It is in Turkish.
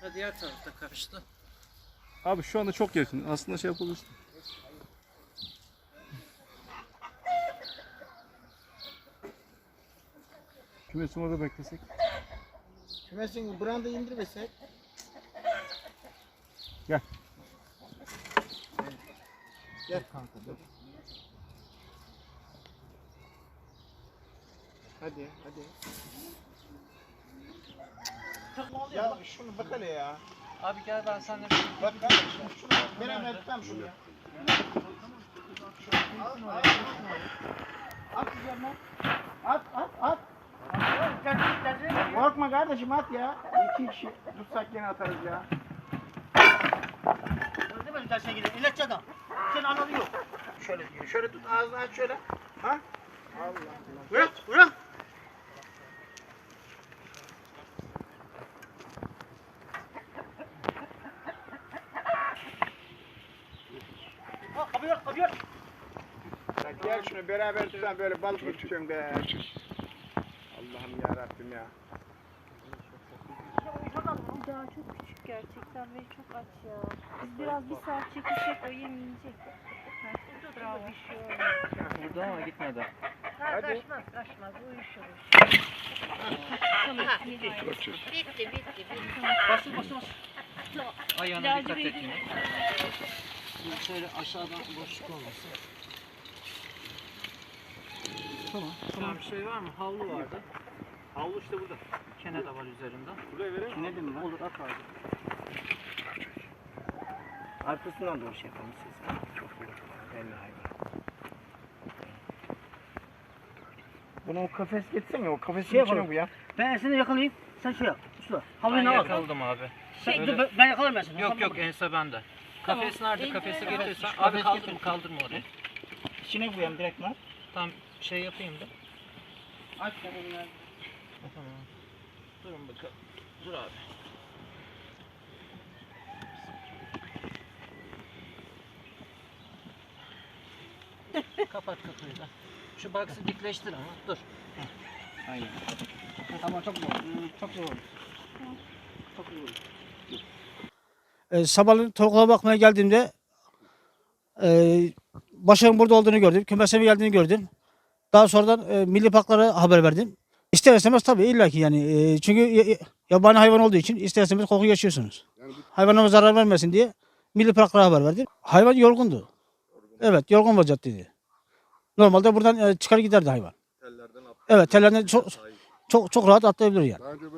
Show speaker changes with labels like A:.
A: Diğer tarafta karıştı.
B: Abi şu anda çok yakın. Aslında şey yapabilirsin. Kümesin orada beklesek.
C: Kümesin branda indirmesek.
B: Gel.
C: Gel kanka dur. Hadi. Ya şunu bak hele ya.
A: Abi gel ben seninle
C: Bak kardeşim şunu ben etmem şunu ya. At üzerine. At. Korkma kardeşim at ya. 2 kişi tutsak yine atarız ya.
D: Ne böyle tersine gidiyor? İlaççı adam. Senin ananı yok.
C: Şöyle diyor. Şöyle tut ağzını aç şöyle. Ha? Allah.
D: Bırak. Ha, kapıyor.
C: Ya gel şunu beraber tutan böyle balık mı tutuyorsun be? Allah'ım ya Rabbim ya.
E: Daha çok küçük gerçekten ve çok aç ya. Biz biraz bir saat çekişsek o yem yiyecek. Bravo.
A: burada ama gitmedi.
C: Hadi.
D: Kaçmaz. Uyuşur.
E: Bitti.
D: Basın.
A: Ayağına dikkat et yine. Şöyle aşağıdan boşluk olmasın. Tamam. Bir şey var mı? Havlu vardı. Havlu işte burada. Kene de var üzerinde.
C: Buraya verelim mi?
D: Ne dedim ben?
A: Olur at abi.
C: Arkasından doğru şey yapalım siz. Çok belli hayvan. Bunu o kafes getirsene o kafesin
D: Şey
C: içine
D: yapalım.
C: bu ya.
D: Ben seni yakalayayım. Sen şey yap. Usta.
A: Ben
D: Havlunu al.
A: yakaladım abi.
D: Şey, dur, ben yakalarım ben seni.
A: Yok ense bende. Kafes nerede? Kafesi getirirsen. Abi kaldırma orayı.
D: İçine koyayım direkt lan.
A: Tam şey yapayım da.
D: Aç sen onu.
A: Tamam. Durun bakalım. Dur abi. Kapat kapıyı da. Şu box'ı dikleştir ama dur.
C: Aynen.
D: Tamam çok zor. Çok zor.
F: Sabahleyin tavuklara bakmaya geldiğimde Başak'ın burada olduğunu gördüm. Kümesime geldiğini gördüm. Daha sonradan milli parklara haber verdim. İster istemez tabii illaki yani. Çünkü yabani hayvan olduğu için ister istemez koku yaşıyorsunuz. Hayvanlara zarar vermesin diye milli parklara haber verdim. Hayvan yorgundu. Evet, yorgun vaziyetteydi. Normalde buradan çıkar giderdi hayvan. Evet, tellerden çok rahat atlayabilir yani.